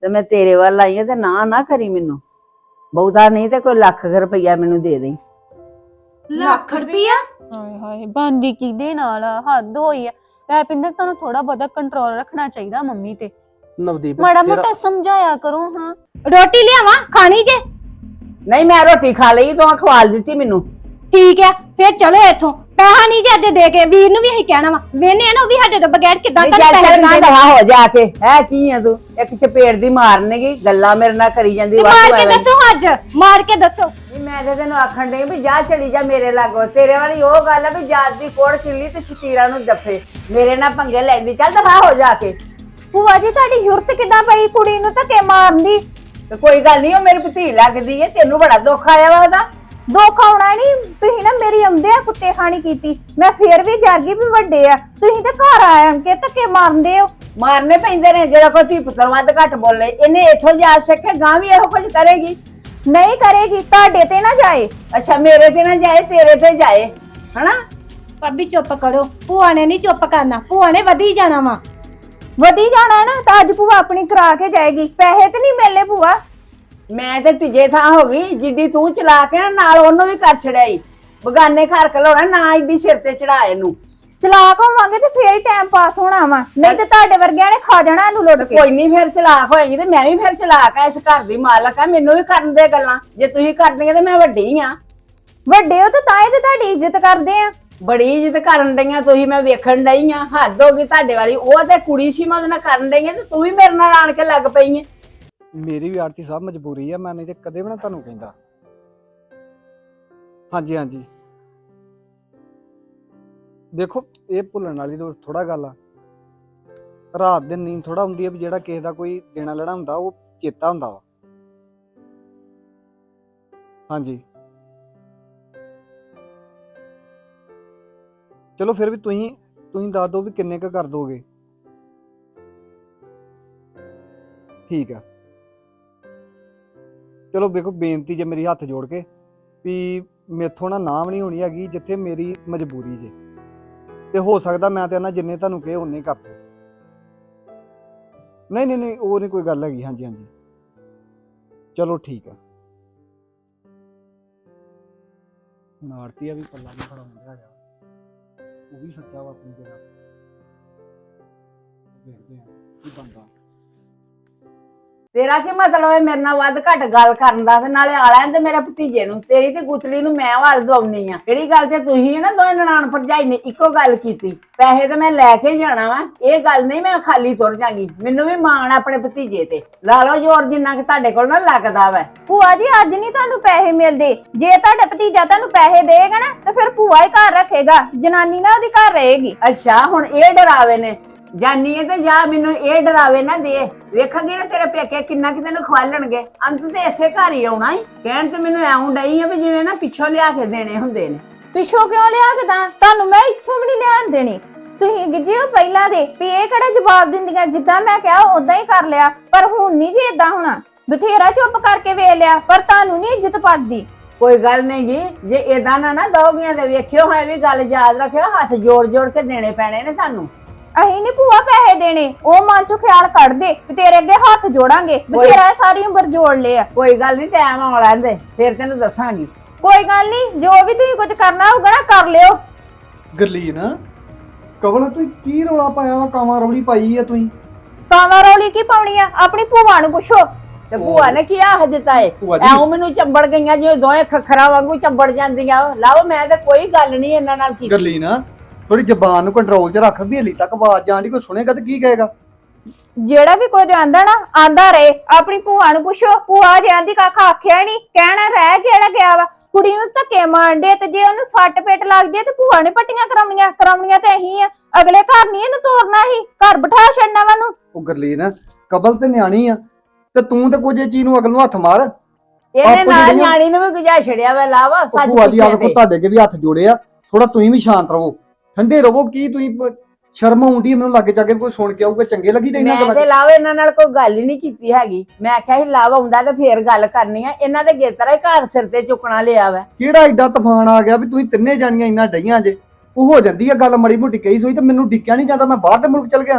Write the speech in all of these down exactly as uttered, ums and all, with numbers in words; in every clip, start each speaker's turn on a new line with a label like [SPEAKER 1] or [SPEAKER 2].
[SPEAKER 1] ਤੇ ਮੈਂ ਤੇਰੇ ਵੱਲ ਆਈ ਆ ਤੇ ਨਾ ਨਾ ਕਰੀ ਮੈਨੂੰ ਬਹੁਤਾ ਨਹੀਂ ਤੇ ਕੋਈ ਲੱਖ ਰੁਪਈਆ ਮੈਨੂੰ ਦੇ ਦੇ।
[SPEAKER 2] ਲੱਖ ਰੁਪਈਆ?
[SPEAKER 3] ਹਾਏ ਹਾਏ ਬੰਦੀ ਕਿਹਦੇ ਨਾਲ ਆ? ਹੱਦ ਹੋਈ ਆ। ਲੈ ਪਿੰਦਰ ਤੁਹਾਨੂੰ ਥੋੜਾ ਬਹੁਤਾ ਕੰਟਰੋਲ ਰੱਖਣਾ ਚਾਹੀਦਾ ਮੰਮੀ ਤੇ।
[SPEAKER 4] ਨਵਦੀਪ
[SPEAKER 3] ਮਾੜਾ ਮੋਟਾ ਸਮਝਾਇਆ ਕਰੋ। ਹਾਂ
[SPEAKER 2] ਰੋਟੀ ਲਿਆਵਾਂ ਖਾਣੀ ਜੇ?
[SPEAKER 1] ਨਹੀਂ ਮੈਂ ਰੋਟੀ ਖਾ ਲਈ ਤੂੰ ਖਵਾਲ ਦਿੱਤੀ ਮੈਨੂੰ।
[SPEAKER 2] ਠੀਕ ਹੈ ਫਿਰ ਚਲੋ ਇੱਥੋਂ। ਪੈਸਾ ਨਹੀਂ ਜੇ ਅੱਜ ਦੇ ਕੇ ਵੀਰ ਨੂੰ ਵੀ ਅਸੀਂ ਕਹਿਣਾ ਵਾ ਵੇਨੇ ਆ ਨਾ ਉਹ ਵੀ ਸਾਡੇ ਤੋਂ ਬਗੈਰ ਕਿੱਦਾਂ
[SPEAKER 1] ਨਹੀਂ
[SPEAKER 2] ਤੁਹਾਨੂੰ
[SPEAKER 1] ਚੱਲ
[SPEAKER 2] ਪੈਸੇ
[SPEAKER 1] ਚੱਲ ਨਾ
[SPEAKER 2] ਦਿੰਦੇ ਨੇ।
[SPEAKER 1] ਦਵਾ ਹੋ ਜਾ ਕੇ ਹੈ ਕੀ ਆ ਤੂੰ ਇੱਕ ਚਪੇੜ ਦੀ ਮਾਰਨੇਗੀ ਗੱਲਾਂ ਮੇਰੇ ਨਾਲ ਕਰੀ ਜਾਂਦੀ
[SPEAKER 2] ਤੇ ਮਾਰ
[SPEAKER 1] ਵਾਧੂ
[SPEAKER 2] ਕੇ
[SPEAKER 1] ਐਵੇਂ।
[SPEAKER 2] ਦੱਸੋ ਅੱਜ ਮਾਰ ਕੇ ਦੱਸੋ।
[SPEAKER 1] ਨਹੀਂ ਮੈਂ ਤੇ ਤੈਨੂੰ ਆਖਣ ਡਈ ਵੀ ਜਾ ਚਲੀ ਜਾ ਮੇਰੇ ਲਾਗੋਂ। ਤੇਰੇ ਵਾਲੀ ਉਹ ਗੱਲ ਆ ਵੀ ਜਾਤ ਦੀ ਕੋੜ ਕਿੱਲੀ ਤੇ ਛਤੀਰਾਂ ਨੂੰ ਜੱਫੇ ਮੇਰੇ ਨਾਲ ਪੰਗੇ ਲੈਂਦੀ। ਚੱਲ ਦਫਾ ਹੋ ਜਾ ਕੇ।
[SPEAKER 3] ਭੂਆ ਜੀ ਤੁਹਾਡੀ ਜ਼ਰੂਰਤ ਕਿੱਦਾਂ ਪਈ ਕੁੜੀ ਨੂੰ ਧੱਕੇ ਮਾਰਨ ਦੀ?
[SPEAKER 1] ਤੇ ਕੋਈ ਗੱਲ ਨਹੀਂ ਉਹ ਮੇਰੀ ਭਤੀ ਲੱਗਦੀ ਏ ਤੈਨੂੰ ਬੜਾ ਦੁੱਖ ਆਇਆ ਵਾ ਉਹਦਾ।
[SPEAKER 3] ਦੁੱਖ ਆਉਣਾ ਨਹੀਂ। ਤੁਸੀਂ ਨਾ ਮੇਰੀ ਆਉਂਦੇ ਆ ਕੁੱਤੇ ਖਾਣੀ ਕੀਤੀ। ਮੈਂ ਫੇਰ ਵੀ ਜਾਗੀ ਵੀ ਵੱਡੇ ਆ ਤੁਸੀਂ ਤਾਂ ਘਰ ਆਣ ਕੇ ਧੱਕੇ ਮਾਰਦੇ ਹੋ।
[SPEAKER 1] ਮਾਰਨੇ ਪੈਂਦੇ ਨੇ ਜਿਹੜਾ ਕੋਈ ਧੀ ਪੁੱਤਰ ਵੱਧ ਘੱਟ ਬੋਲੇ। ਇਹਨੇ ਇੱਥੋਂ ਜਾ ਸਿੱਖੇ ਗਾਂ ਵੀ ਇਹੋ ਕੁਝ ਕਰੇਗੀ।
[SPEAKER 3] ਨਹੀਂ ਕਰੇਗੀ ਤੁਹਾਡੇ ਤੇ ਨਾ ਜਾਏ।
[SPEAKER 1] ਅੱਛਾ ਮੇਰੇ ਤੇ ਨਾ ਜਾਏ ਤੇਰੇ ਤੇ ਜਾਏ ਹਨਾ।
[SPEAKER 2] ਭਾਬੀ ਚੁੱਪ ਕਰੋ। ਭੂਆ ਨੇ ਨਹੀਂ ਚੁੱਪ ਕਰਨਾ। ਭੂਆ ਨੇ ਵਧੀ ਜਾਣਾ ਵਾ।
[SPEAKER 3] ਵਧੀ ਜਾਣਾ ਨਾ ਤਾਂ ਅੱਜ ਭੂਆ ਆਪਣੀ ਕਰਾ ਕੇ ਜਾਏਗੀ। ਪੈਸੇ ਤੇ ਨਹੀਂ ਮਿਲਨੇ ਭੂਆ।
[SPEAKER 1] ਮੈਂ ਤੇ ਤੀਜੇ ਥਾਂ ਹੋ ਗਈ ਜਿੱਡੀ ਤੂੰ ਚਲਾ ਕੇ ਨਾ ਨਾਲ ਉਹਨੂੰ ਵੀ ਕਰ ਛੜਾਈ। ਬਗਾਨੇ ਘਰ ਘਲਾਉਣਾ ਨਾ ਏਡੀ ਸਿਰ ਤੇ ਚੜਾ ਇਹਨੂੰ।
[SPEAKER 3] ਚਲਾਕ ਹੋਵਾਂਗੇ ਤੇ ਫੇਰ ਟਾਈਮ ਪਾਸ ਹੋਣਾ ਵਾ ਨਹੀਂ ਤੇ ਤੁਹਾਡੇ ਵਰਗਿਆਂ ਨੇ ਖਾ ਜਾਣਾ ਇਹਨੂੰ ਲੁੱਟ ਕੇ।
[SPEAKER 1] ਕੋਈ ਨਹੀਂ ਫਿਰ ਚਲਾਕ ਹੋਏਗੀ ਤੇ ਮੈਂ ਵੀ ਫਿਰ ਚਲਾਕ ਆ। ਇਸ ਘਰ ਦੀ ਮਾਲਕ ਆ ਮੈਨੂੰ ਵੀ ਕਰਨ ਦੇ ਗੱਲਾਂ। ਜੇ ਤੁਸੀਂ ਕਰਦੀਆਂ ਤੇ ਮੈਂ ਵੱਡੀ ਆ।
[SPEAKER 3] ਵੱਡੇ ਹੋ ਤੇ ਤਾਂ ਹੀ ਤੇ ਤੁਹਾਡੀ ਇੱਜ਼ਤ ਕਰਦੇ ਆ।
[SPEAKER 1] ਬੜੀ ਇੱਜ਼ਤ ਕਰਨ ਡਈਆਂ ਤੁਸੀਂ ਮੈਂ ਵੇਖਣ ਡਈ ਆ। ਹੱਦ ਹੋ ਗਈ ਤੁਹਾਡੇ ਵਾਲੀ। ਉਹ ਤੇ ਕੁੜੀ ਸੀ ਮੈਂ ਉਹਦੇ ਨਾਲ ਕਰਨ ਡਈ ਆ ਤੇ ਤੂੰ ਵੀ ਮੇਰੇ ਨਾਲ ਆਣ ਕੇ ਲੱਗ ਪਈ ਏ।
[SPEAKER 4] ਮੇਰੀ ਵੀ ਆਰਤੀ ਸਾਹਿਬ ਮਜਬੂਰੀ ਆ ਮੈਂ ਨਹੀਂ ਤੇ ਕਦੇ ਵੀ ਨਾ ਤੁਹਾਨੂੰ ਕਹਿੰਦਾ। ਹਾਂਜੀ ਹਾਂਜੀ ਦੇਖੋ ਇਹ ਭੁੱਲਣ ਵਾਲੀ ਤਾਂ ਥੋੜਾ ਗੱਲ ਆ। ਰਾਤ ਦਿਨ ਨੀਂਦ ਥੋੜਾ ਹੁੰਦੀ ਆ ਵੀ ਜਿਹੜਾ ਕਿਸੇ ਦਾ ਕੋਈ ਦੇਣਾ ਲੈਣਾ ਹੁੰਦਾ ਉਹ ਚੇਤਾ ਹੁੰਦਾ ਵਾ। ਹਾਂਜੀ ਚਲੋ ਫਿਰ ਵੀ ਤੁਸੀਂ ਤੁਸੀਂ ਦੱਸ ਦਿਓ ਵੀ ਕਿੰਨੇ ਕੁ ਕਰ ਦੋਗੇ। ਠੀਕ ਆ ਚਲੋ ਵੇਖੋ ਬੇਨਤੀ ਜੇ ਮੇਰੀ ਹੱਥ ਜੋੜ ਕੇ ਵੀ ਮੇਥੋਂ ਨਾ ਨਾਮ ਨਹੀਂ ਹੋਣੀ ਹੈਗੀ ਜਿੱਥੇ ਮੇਰੀ ਮਜਬੂਰੀ ਜੇ ਤੇ ਹੋ ਸਕਦਾ ਮੈਂ ਤੇ ਨਾ ਜਿੰਨੇ ਤੁਹਾਨੂੰ ਕਹੇ ਉਨੇ ਕਰ ਦਿਓ। ਨਹੀਂ ਨਹੀਂ ਨਹੀਂ ਉਹ ਨਹੀਂ ਕੋਈ ਗੱਲ ਹੈਗੀ। ਹਾਂਜੀ ਹਾਂਜੀ ਚਲੋ ਠੀਕ ਆ। ਨਾਰਤੀ ਆ ਵੀ ਪੱਲਾ ਨਹੀਂ ਖੜਾ ਹੁੰਦਾ ਹੈਗਾ ਉਹ ਵੀ ਸੱਚਾ ਵਾ ਆਪਣੀ ਜਗ੍ਹਾ। ਦੇਖਦੇ ਆ ਕੀ ਬਣਦਾ।
[SPEAKER 1] ਤੇਰਾ ਕੀ ਮਤਲਬ ਹੈ ਮੇਰੇ ਨਾਲ ਵੱਧ ਘੱਟ ਗੱਲ ਕਰਨ ਦਾ? ਤੇ ਨਾਲੇ ਆ ਲੈਣ ਤੇ ਮੇਰੇ ਭਤੀਜੇ ਨੂੰ। ਤੇਰੀ ਤੇ ਗੁੱਤਲੀ ਨੂੰ ਮੈਂ ਵੱਲ ਦਵਾਉਣੀ ਆ। ਕਿਹੜੀ ਗੱਲ ਤੇ ਤੁਸੀਂ ਨਾ ਦੋਵੇਂ ਨਨਾਣ ਭਰਜਾਈ ਨੇ ਇੱਕੋ ਗੱਲ ਕੀਤੀ। ਪੈਸੇ ਤੇ ਮੈਂ ਲੈ ਕੇ ਜਾਣਾ ਵਾ ਇਹ ਗੱਲ ਨਹੀਂ ਮੈਂ ਖਾਲੀ ਤੁਰ ਜਾਗੀ। ਮੈਨੂੰ ਵੀ ਮਾਣ ਆਪਣੇ ਭਤੀਜੇ ਤੇ। ਲਾ ਲਓ ਜ਼ੋਰ ਜਿੰਨਾ ਕਿ ਤੁਹਾਡੇ ਕੋਲ ਨਾ ਲੱਗਦਾ ਵਾ।
[SPEAKER 3] ਭੂਆ ਜੀ ਅੱਜ ਨਹੀਂ ਤੁਹਾਨੂੰ ਪੈਸੇ ਮਿਲਦੇ। ਜੇ ਤੁਹਾਡਾ ਭਤੀਜਾ ਤੁਹਾਨੂੰ ਪੈਸੇ ਦੇਗਾ ਨਾ ਤਾਂ ਫਿਰ ਭੂਆ ਹੀ ਘਰ ਰੱਖੇਗਾ। ਜਨਾਨੀ ਨਾ ਉਹਦੀ ਘਰ ਰਹੇਗੀ।
[SPEAKER 1] ਅੱਛਾ ਹੁਣ ਇਹ ਡਰਾਵੇ ਨੇ ਜਾਨੀ ਹੈ ਤੇ ਜਾ ਮੈਨੂੰ ਇਹ ਡਰਾਵੇ ਨਾ ਦੇ। ਵੇਖਾਂਗੇ ਨਾ ਤੇਰੇ ਪੇਕੇ ਕਿੰਨਾ ਕਿ ਤੈਨੂੰ ਖਵਾਲਣਗੇ। ਅੰਤ ਤੇ ਇਸੇ ਘਰ ਹੀ ਆਉਣਾ ਹੀ। ਕਹਿਣ ਤੇ ਮੈਨੂੰ ਐਉਂ ਡਈ ਆ ਵੀ ਜਿਵੇਂ ਨਾ ਪਿੱਛੋਂ ਲਿਆ ਕੇ ਦੇਣੇ ਹੁੰਦੇ ਨੇ।
[SPEAKER 3] ਪਿੱਛੋਂ ਕਿਉਂ ਲਿਆ ਕੇ ਤਾਂ ਤੁਹਾਨੂੰ ਮੈਂ ਇੱਥੋਂ ਵੀ ਨਹੀਂ ਲਿਆਣ ਦੇਣੀ। ਤੁਸੀਂ ਗਿੱਜੇ ਹੋ ਪਹਿਲਾਂ ਦੇ ਵੀ ਇਹ ਕਿਹੜਾ ਜਵਾਬ ਦਿੰਦੀਆਂ। ਜਿੱਦਾਂ ਮੈਂ ਕਿਹਾ ਉਦਾਂ ਹੀ ਕਰ ਲਿਆ ਪਰ ਹੁਣ ਨਹੀਂ ਜੀ ਏਦਾਂ ਹੋਣਾ। ਬਥੇਰਾ ਚੁੱਪ ਕਰਕੇ ਵੇਖ ਲਿਆ ਪਰ ਤੁਹਾਨੂੰ ਨਹੀਂ ਇੱਜ਼ਤ ਪੱਦੀ।
[SPEAKER 1] ਕੋਈ ਗੱਲ ਨਹੀਂ ਜੀ ਜੇ ਏਦਾਂ ਨਾ ਨਾ ਦੋਗੀਆਂ ਤੇ ਵੇਖਿਓ ਹੈ ਵੀ ਗੱਲ ਯਾਦ ਰੱਖਿਓ। ਹੱਥ ਜੋੜ ਜੋੜ ਕੇ ਦੇਣੇ ਪੈਣੇ ਨੇ ਤੁਹਾਨੂੰ।
[SPEAKER 3] ਅਸੀਂ ਨੀ ਭੂਆ ਪੈਸੇ ਦੇਣੇ। ਉਹ ਮਨ ਚੋਂ ਖਿਆਲ ਕੱਢ ਦੇ ਵੀ ਤੇਰੇ ਅੱਗੇ ਹੱਥ ਜੋੜਾਂਗੇ। ਬਥੇਰਾ ਸਾਰੀ ਉਮਰ ਜੋੜ ਲਿਆ।
[SPEAKER 1] ਕੋਈ ਗੱਲ ਨਹੀਂ ਟਾਈਮ ਆਉਣ ਲੈਂਦੇ ਫਿਰ ਤੈਨੂੰ ਦੱਸਾਂਗੀ।
[SPEAKER 3] ਕੋਈ ਗੱਲ ਨਹੀਂ ਜੋ ਵੀ ਤੁਸੀਂ ਕੁਝ ਕਰਨਾ ਹੋਊਗਾ ਨਾ ਕਰ ਲਿਓ।
[SPEAKER 4] ਗਰਲੀਨ ਕਵਲ ਤੂੰ ਕੀ ਰੌਲਾ ਪਾਇਆ ਵਾ? ਕਾਵਾਂ ਰੌਲੀ ਪਾਈ ਆ ਤੁਸੀਂ।
[SPEAKER 3] ਕਾਵਾਂ ਰੌਲੀ ਕੀ ਪਾਉਣੀ ਆ? ਆਪਣੀ ਭੂਆ ਨੂੰ ਪੁੱਛੋ।
[SPEAKER 1] ਤੇ ਭੂਆ ਨੇ ਕੀ ਆਖ ਦਿੱਤਾ ਏ? ਐਉਂ ਮੈਨੂੰ ਚੰਬੜ ਗਈਆਂ ਜਿਵੇਂ ਦੋਵੇਂ ਖੱਖਰਾਂ ਵਾਂਗੂ ਚੰਬੜ ਜਾਂਦੀਆਂ। ਲਾਓ ਮੈਂ ਤੇ ਕੋਈ ਗੱਲ ਨਹੀਂ ਇਹਨਾਂ ਨਾਲ ਕੀਤੀ।
[SPEAKER 4] ਗਰਲੀਨ ਥੋੜੀ ਜ਼ਬਾਨ ਨੂੰ ਕੰਟਰੋਲ 'ਚ ਰੱਖ। ਵੀ ਹਲੀ ਤੱਕ ਆਵਾਜ਼ ਜਾਣ ਦੀ ਕੋਈ ਸੁਣੇਗਾ ਤੇ ਕੀ ਕਹੇਗਾ?
[SPEAKER 3] ਜਿਹੜਾ ਵੀ ਕੁਝ ਆਂਦਾ ਨਾ ਆਂਦਾ ਰਹੇ। ਆਪਣੀ ਭੂਆ ਨੂੰ ਪੁੱਛੋ। ਭੂਆ ਜੇ ਆਂਦੀ ਕੱਖ ਆਖਿਆ ਨਹੀਂ ਕਹਿਣਾ ਰਹਿ ਕਿਹੜਾ ਗਿਆ ਵਾ। ਕੁੜੀ ਨੂੰ ਧੱਕੇ ਮਾਰਦੇ ਤੇ ਜੇ ਉਹਨੂੰ ਸੱਟ ਪੇਟ ਲੱਗ ਜੇ ਤੇ ਭੂਆ ਨੇ ਪੱਟੀਆਂ ਕਰਾਉਣੀਆਂ ਕਰਾਉਣੀਆਂ ਤੇ ਅਹੀਂ ਆ। ਅਗਲੇ ਘਰ ਨਹੀਂ ਇਹਨੂੰ ਤੋਰਨਾ ਹੀ ਘਰ ਬਿਠਾ ਛੱਡਣਾ ਵਾ ਨੂੰ।
[SPEAKER 4] ਉਹ ਗਰਲੀਨ ਕਬਲ ਤੇ ਨਿਆਣੀ ਆ ਤੇ ਤੂੰ ਤੇ ਕੁਝ ਚੀਜ਼ ਨੂੰ ਅਗਲ ਨੂੰ ਹੱਥ ਮਾਰ।
[SPEAKER 1] ਇਹਨੇ ਨਾਲ ਨਿਆਣੀ ਨੂੰ ਵੀ ਗੁਜਾ ਛੜਿਆ ਵਾ। ਲਾਵਾ ਸੱਚ
[SPEAKER 4] ਭੂਆ ਦੀ ਆਪ
[SPEAKER 1] ਪੁੱਛੇ
[SPEAKER 4] ਕੋ ਤੁਹਾਡੇ ਅੱਗੇ ਵੀ ਹੱਥ ਜੋੜੇ ਆ। ਥੋੜਾ ਤੁਸੀਂ ਵੀ ਸ਼ਾਂਤ ਰਹੋ ਠੰਡੇ ਰਹੋ। ਕੀ ਤੁਸੀਂ ਸ਼ਰਮ ਆਉਂਦੀ ਮੈਨੂੰ ਲੱਗ ਜਾ ਕੇ ਕੋਈ ਸੁਣ ਕੇ ਆਊਗਾ ਚੰਗੇ ਲੱਗੀ ਤੇ ਇਹਨਾਂ
[SPEAKER 1] ਮੈਂ ਤੇ ਲਾਵਾ ਇਹਨਾਂ ਨਾਲ ਕੋਈ ਗੱਲ ਹੀ ਨਹੀਂ ਕੀਤੀ ਹੈਗੀ। ਮੈਂ ਆਖਿਆ ਸੀ ਲਾਵਾ ਆਉਂਦਾ ਤੇ ਫੇਰ ਗੱਲ ਕਰਨੀ ਆ। ਇਹਨਾਂ ਦੇ ਗੇਤਰਾ ਹੀ ਘਰ ਸਿਰ ਤੇ ਚੁੱਕਣਾ ਲਿਆ ਵਾ।
[SPEAKER 4] ਕਿਹੜਾ ਐਡਾ ਤੂਫਾਨ ਆ ਗਿਆ ਵੀ ਤੁਸੀਂ ਤਿੰਨੇ ਜਾਣੀਆਂ ਇੰਨਾ ਡਈਆਂ ਜੇ। ਉਹ ਹੋ ਜਾਂਦੀ ਆ ਗੱਲ ਮੜੀ ਮੋਟੀ ਕਹੀ ਸੋਈ ਤੇ ਮੈਨੂੰ ਡਿੱਕਿਆ ਨਹੀਂ ਜਾਂਦਾ। ਮੈਂ ਬਾਹਰ ਦੇ ਮੁਲਕ ਚਲ ਗਿਆ ਹਾਂ।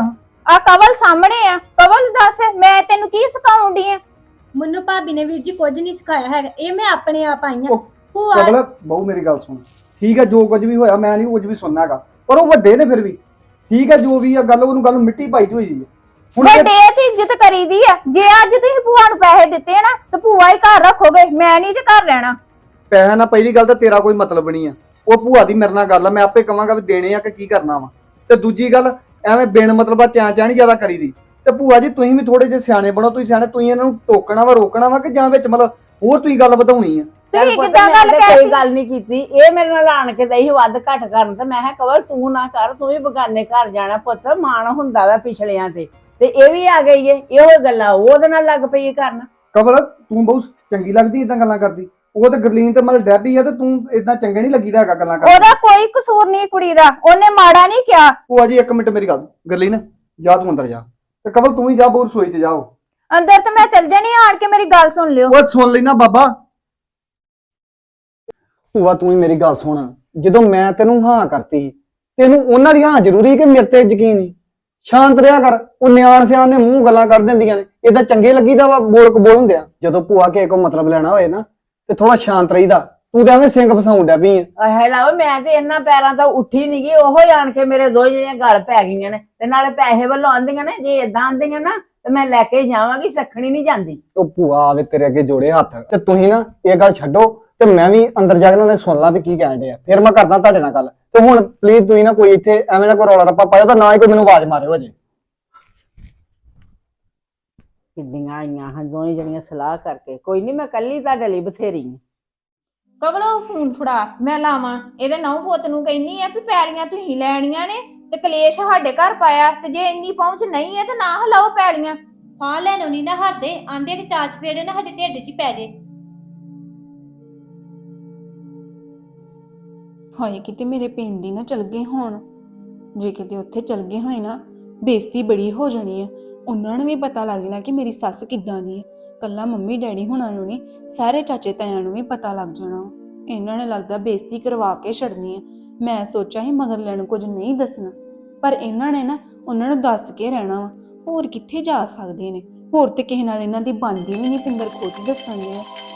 [SPEAKER 3] ਆ ਕਵਲ ਸਾਹਮਣੇ ਆ, ਕਵਲ ਦੱਸ ਮੈਂ ਤੈਨੂੰ ਕੀ ਸਿਖਾਉਂਦੀ ਆ?
[SPEAKER 2] ਮੈਨੂੰ ਭਾਬੀ ਨੇ ਵੀਰ ਜੀ ਕੁਝ ਨਹੀਂ ਸਿਖਾਇਆ ਹੈਗਾ, ਇਹ ਮੈਂ ਆਪਣੇ ਆਪ ਆਈ ਆ।
[SPEAKER 4] ਉਹ
[SPEAKER 2] ਭੂਆ
[SPEAKER 4] ਕਬਲ ਬਹੁ ਮੇਰੀ ਗੱਲ ਸੁਣ, ਠੀਕ ਹੈ ਜੋ ਕੁਝ ਵੀ ਹੋਇਆ ਮੈਂ ਨਹੀਂ ਕੁਝ ਵੀ ਸੁਣਨਾ ਹੈਗਾ, ਪਰ ਉਹ ਵੱਡੇ ਨੇ ਫਿਰ ਵੀ ਠੀਕ ਹੈ ਜੋ ਵੀ ਆ ਗੱਲ ਉਹਨੂੰ ਗੱਲ ਮਿੱਟੀ ਪਾਈ ਦੀ ਹੋਈ ਹੈ। ਹੁਣ ਜੇ-
[SPEAKER 3] ਵੱਡੇ ਤੇ ਇੱਜ਼ਤ ਕਰੀਦੀ ਆ। ਜੇ ਅੱਜ ਤੁਸੀਂ ਭੂਆ ਨੂੰ ਪੈਸੇ ਦਿੱਤੇ ਨਾ ਤੇ ਭੂਆ ਹੀ ਘਰ ਰੱਖੋਗੇ, ਮੈਂ ਨਹੀਂ ਜੇ ਘਰ ਰਹਿਣਾ।
[SPEAKER 4] ਪੈਸਾ ਨਾ ਪਹਿਲੀ ਗੱਲ ਤਾਂ ਤੇਰਾ ਕੋਈ ਮਤਲਬ ਨਹੀਂ ਆ, ਉਹ ਭੂਆ ਦੀ ਮੇਰੇ ਨਾਲ ਗੱਲ ਆ, ਮੈਂ ਆਪੇ ਕਵਾਂਗਾ ਵੀ ਦੇਣੇ ਆ ਕਿ ਕੀ ਕਰਨਾ ਵਾ। ਤੇ ਦੂਜੀ ਗੱਲ ਐਵੇਂ ਬਿਨ ਮਤਲਬਾ ਚਾਂ ਚਾਂ ਨਹੀਂ ਜ਼ਿਆਦਾ ਕਰੀਦੀ। ਤੇ ਭੂਆ ਜੀ ਤੁਸੀਂ ਵੀ ਥੋੜੇ ਜਿਹੇ ਸਿਆਣੇ ਬਣੋ, ਤੁਸੀਂ ਸਿਆਣੇ, ਤੁਸੀਂ ਇਹਨਾਂ ਨੂੰ ਟੋਕਣਾ ਵਾ ਰੋਕਣਾ ਵਾ ਕਿ ਜਾਂ ਵਿੱਚ ਮਤਲਬ ਹੋਰ ਤੁਸੀਂ ਗੱਲ ਵਧਾਉਣੀ ਆ।
[SPEAKER 3] ਤੁਸੀਂ
[SPEAKER 1] ਪੁੱਤ,
[SPEAKER 3] ਕਿੱਦਾਂ
[SPEAKER 1] ਮੈਂ
[SPEAKER 3] ਗੱਲ
[SPEAKER 1] ਤਾਂ
[SPEAKER 3] ਕਹਿ
[SPEAKER 1] ਕੋਈ
[SPEAKER 3] ਦਿੱਤੀ?
[SPEAKER 1] ਗੱਲ ਨਹੀਂ ਕੀਤੀ, ਇਹ ਮੇਰੇ ਨਾਲ ਆਣ ਕੇ ਦਈ ਵੱਧ ਘੱਟ ਕਰਨ ਤੇ ਮੈਂ ਕਿਹਾ ਕਵਲ ਤੂੰ ਨਾ ਕਰ, ਤੂੰ ਵੀ ਬਗਾਨੇ ਘਰ ਜਾਣਾ ਪੁੱਤ, ਮਾਣ ਹੁੰਦਾ ਵਾ ਪਿਛਲਿਆਂ ਤੇ ਤੇ ਇਹ ਵੀ ਆ ਗਈ ਏ, ਇਹੋ ਗੱਲਾਂ ਉਹਦੇ ਨਾਲ ਲੱਗ ਪਈ ਏ ਕਰਨ।
[SPEAKER 4] ਕਬਲ ਤੂੰ ਬਹੁਤ ਚੰਗੀ ਲੱਗਦੀ ਇਦਾਂ ਗੱਲਾਂ ਕਰਦੀ, ਉਹ ਤੇ ਗਰਲੀਨ ਤੇ ਮਤਲਬ ਡੈਬੀ ਆ ਤੇ ਤੂੰ ਇਦਾਂ ਚੰਗੇ ਨਹੀਂ ਲੱਗੀਦਾ ਹੈਗਾ ਗੱਲਾਂ ਕਰਦੀ।
[SPEAKER 3] ਉਹਦਾ ਕੋਈ ਕਸੂਰ ਨਹੀਂ ਕੁੜੀ ਦਾ, ਉਹਨੇ ਮਾੜਾ ਨਹੀਂ ਕਿਹਾ।
[SPEAKER 4] ਭੂਆ ਜੀ ਇੱਕ ਮਿੰਟ ਮੇਰੀ ਗੱਲ, ਗਰਲੀਨ ਜਾ ਤੂੰ ਅੰਦਰ ਜਾ, ਤੇ ਕਬਲ ਤੂੰ ਹੀ ਜਾ ਬੋਰ ਰਸੋਈ 'ਚ ਜਾਓ।
[SPEAKER 3] ਅੰਦਰ ਤੇ ਮੈਂ ਚੱਲ ਜਾਣੀ, ਆਣ ਕੇ ਮੇਰੀ ਗੱਲ ਸੁਣ ਲਿਓ।
[SPEAKER 4] ਉਹ ਸੁਣ ਲੈਣਾ ਬਾਬਾ। ਭੂਆ ਤੂੰ ਹੀ ਮੇਰੀ ਗੱਲ ਸੁਣ, ਜਦੋਂ ਮੈਂ ਤੈਨੂੰ ਹਾਂ ਕਰਤੀ ਤੈਨੂੰ ਉਹਨਾਂ ਦੀ ਹਾਂ ਜ਼ਰੂਰੀ ਕਿ ਮੇਰੇ ਤੇ ਯਕੀਨ ਨਹੀਂ? ਸ਼ਾਂਤ ਰਿਹਾ ਕਰ, ਉਹ ਨਿਆਣ ਸਿਆਣ ਨੇ ਮੂੰਹ ਗੱਲਾਂ ਕਰ ਦਿੰਦੀਆਂ ਨੇ, ਏਦਾਂ ਚੰਗੇ ਲੱਗੀਦਾ ਵਾ ਬੋਲ ਕਬੋਲ ਹੁੰਦੇ ਆ। ਜਦੋਂ ਭੂਆ ਕਿਸੇ ਕੋ ਮਤਲਬ ਲੈਣਾ ਹੋਏ ਨਾ ਤੇ ਥੋੜਾ ਸ਼ਾਂਤ ਰਹੀਦਾ, ਤੂੰ ਤਾਂ ਐਵੇਂ ਸਿੰਘ ਫਸਾਉਣ ਡਿਆ ਪਈ ਆ।
[SPEAKER 1] ਹੈ ਲਾਓ, ਮੈਂ ਤੇ ਇਹਨਾਂ ਪੈਰਾਂ ਤੋਂ ਉੱਠੀ ਨੀ ਗਈ, ਉਹੋ ਹੀ ਆਣ ਕੇ ਮੇਰੇ ਦੋ ਜਿਹੜੀਆਂ ਗਲ ਪੈ ਗਈਆਂ ਨੇ, ਤੇ ਨਾਲੇ ਪੈਸੇ ਵੱਲੋਂ ਆਂਦੀਆਂ ਨੇ, ਜੇ ਏਦਾਂ ਆਂਦੀਆਂ ਨਾ ਤੇ ਮੈਂ ਲੈ ਕੇ ਜਾਵਾਂਗੀ, ਸਖਣੀ ਨਹੀਂ ਜਾਂਦੀ।
[SPEAKER 4] ਉਹ ਭੂਆ ਆਵੇ ਤੇਰੇ ਅੱਗੇ ਜੋੜੇ ਹੱਥ, ਤੇ ਤੁਸੀਂ ਨਾ ਇਹ ਗੱਲ ਛੱਡੋ ਤੇ ਮੈਂ ਵੀ ਅੰਦਰ ਜਾ ਕੇ ਉਹਨਾਂ ਨੇ ਸੁਣ ਲਾ ਵੀ ਕੀ ਕਹਿਣ ਡਿਆ, ਫਿਰ ਮੈਂ ਕਰਦਾ ਤੁਹਾਡੇ ਨਾਲ ਗੱਲ। ਤੇ ਹੁਣ ਪਲੀਜ਼ ਤੁਸੀਂ ਨਾ ਕੋਈ ਇੱਥੇ ਐਵੇਂ ਨਾ ਕੋਈ ਰੌਲਾ ਰੱਪਾ ਪਾਇਓ, ਤਾਂ ਨਾ ਹੀ ਕੋਈ ਮੈਨੂੰ ਆਵਾਜ਼ ਮਾਰਿਓ ਅਜੇ।
[SPEAKER 1] ਕਿੱਡੀਆਂ ਆਈਆਂ ਹਾਂ ਦੋਵੇਂ ਜਣੀਆਂ ਸਲਾਹ ਕਰਕੇ, ਕੋਈ ਨਹੀਂ ਮੈਂ ਕੱਲੀ ਤੁਹਾਡੇ ਲਈ ਬਥੇਰੀ ਹਾਂ।
[SPEAKER 3] ਕਵਲੋ ਫੋਨ ਫੜਾ, ਮੈਂ ਲਾਵਾਂ। ਇਹਦੇ ਨੌ ਪੁੱਤ ਨੂੰ ਕਹਿੰਨੀ ਆ ਵੀ ਪੈਲੀਆਂ ਤੁਸੀਂ ਲੈਣੀਆਂ ਨੇ ਤੇ ਕਲੇਸ਼ ਸਾਡੇ ਘਰ ਪਾਇਆ, ਤੇ ਜੇ ਇੰਨੀ ਪਹੁੰਚ ਨਹੀਂ ਹੈ ਤੇ ਨਾ ਹਲਾਓ ਪੈਲੀਆਂ।
[SPEAKER 2] ਹਾਂ ਲੈਣੋ ਨਹੀਂ ਨਾ ਹਟਦੇ, ਆਂਦੇ ਕਿ ਚਾਚ ਫੇੜੇ ਨਾ ਸਾਡੇ ਢਿੱਡ 'ਚ ਹੀ ਪੈ ਜੇ।
[SPEAKER 5] ਹਾਏ ਕਿਤੇ ਮੇਰੇ ਪਿੰਡ ਹੀ ਨਾ ਚਲ ਗਏ ਹੋਣ, ਜੇ ਕਿਤੇ ਉੱਥੇ ਚਲ ਗਏ ਹੋਏ ਨਾ ਬੇਇੱਜ਼ਤੀ ਬੜੀ ਹੋ ਜਾਣੀ ਆ। ਉਹਨਾਂ ਨੂੰ ਵੀ ਪਤਾ ਲੱਗ ਜਾਣਾ ਕਿ ਮੇਰੀ ਸੱਸ ਕਿੱਦਾਂ ਦੀ ਹੈ। ਕੱਲਾ ਮੰਮੀ ਡੈਡੀ ਹੁਣਾਂ ਨੂੰ ਨਹੀਂ, ਸਾਰੇ ਚਾਚੇ ਤਾਇਆਂ ਨੂੰ ਵੀ ਪਤਾ ਲੱਗ ਜਾਣਾ। ਇਹਨਾਂ ਨੇ ਲੱਗਦਾ ਬੇਇੱਜ਼ਤੀ ਕਰਵਾ ਕੇ ਛੱਡਣੀ ਆ। ਮੈਂ ਸੋਚਿਆ ਸੀ ਮਗਰ ਲੈਣ ਕੁਝ ਨਹੀਂ ਦੱਸਣਾ, ਪਰ ਇਹਨਾਂ ਨੇ ਨਾ ਉਹਨਾਂ ਨੂੰ ਦੱਸ ਕੇ ਰਹਿਣਾ ਵਾ। ਹੋਰ ਕਿੱਥੇ ਜਾ ਸਕਦੇ ਨੇ, ਹੋਰ ਤੇ ਕਿਸੇ ਨਾਲ ਇਹਨਾਂ ਦੀ ਬਣਦੀ ਵੀ ਨਹੀਂ, ਪਿੰਦਰ ਖੁਦ ਦੱਸਣਗੇ।